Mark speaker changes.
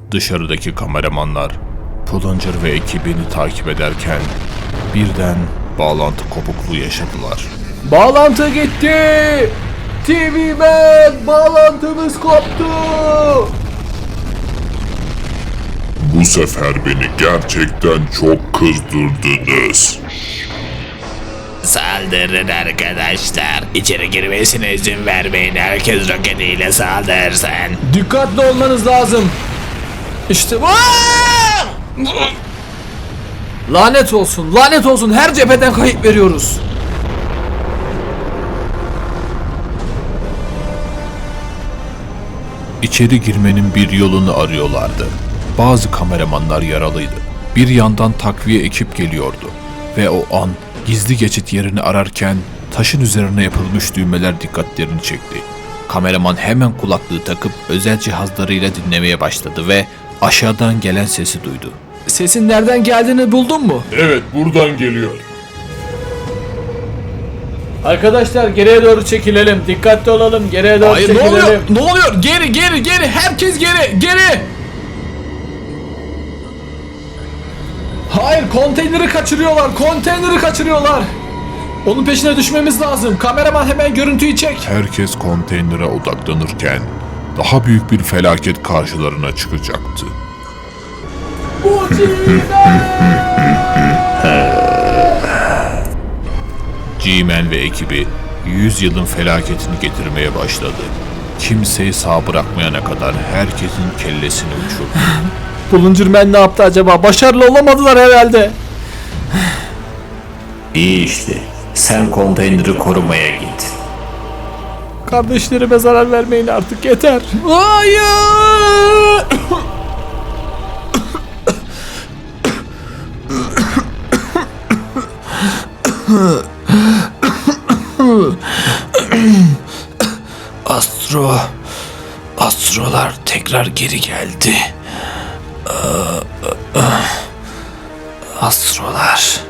Speaker 1: Dışarıdaki kameramanlar Plunger ve ekibini takip ederken birden bağlantı kopukluğu yaşadılar.
Speaker 2: Bağlantı gitti. TV Man, bağlantımız koptu.
Speaker 3: Bu sefer beni gerçekten çok kızdırdınız.
Speaker 4: Saldırın arkadaşlar. İçeri girmesine izin vermeyin. Herkes roketiyle saldırsın.
Speaker 2: Dikkatli olmanız lazım. İşte lanet olsun, lanet olsun. Her cepheden kayıp veriyoruz.
Speaker 1: İçeri girmenin bir yolunu arıyorlardı. Bazı kameramanlar yaralıydı. Bir yandan takviye ekip geliyordu ve o an gizli geçit yerini ararken taşın üzerine yapılmış düğmeler dikkatlerini çekti. Kameraman hemen kulaklığı takıp özel cihazlarıyla dinlemeye başladı ve aşağıdan gelen sesi duydu.
Speaker 2: Sesin nereden geldiğini buldun mu?
Speaker 3: Evet, buradan geliyor.
Speaker 2: Arkadaşlar geriye doğru çekilelim. Dikkatli olalım. Geriye doğru
Speaker 1: Hayır, ne
Speaker 2: çekilelim.
Speaker 1: oluyor? Ne oluyor? Geri! Herkes geri!
Speaker 2: Hayır, konteyneri kaçırıyorlar. Onun peşine düşmemiz lazım. Kameraman hemen görüntüyü çek.
Speaker 1: Herkes konteynere odaklanırken daha büyük bir felaket karşılarına çıkacaktı. G-Man ve ekibi 100 yılın felaketini getirmeye başladı. Kimseyi sağ bırakmayana kadar herkesin kellesini uçurdu.
Speaker 2: Plunger Man ne yaptı acaba? Başarılı olamadılar herhalde.
Speaker 4: İyi işte. Sen konteyneri korumaya git.
Speaker 2: Kardeşlerime zarar vermeyin artık, yeter. Hayır!
Speaker 4: Astrolar tekrar geri geldi. Astrolar.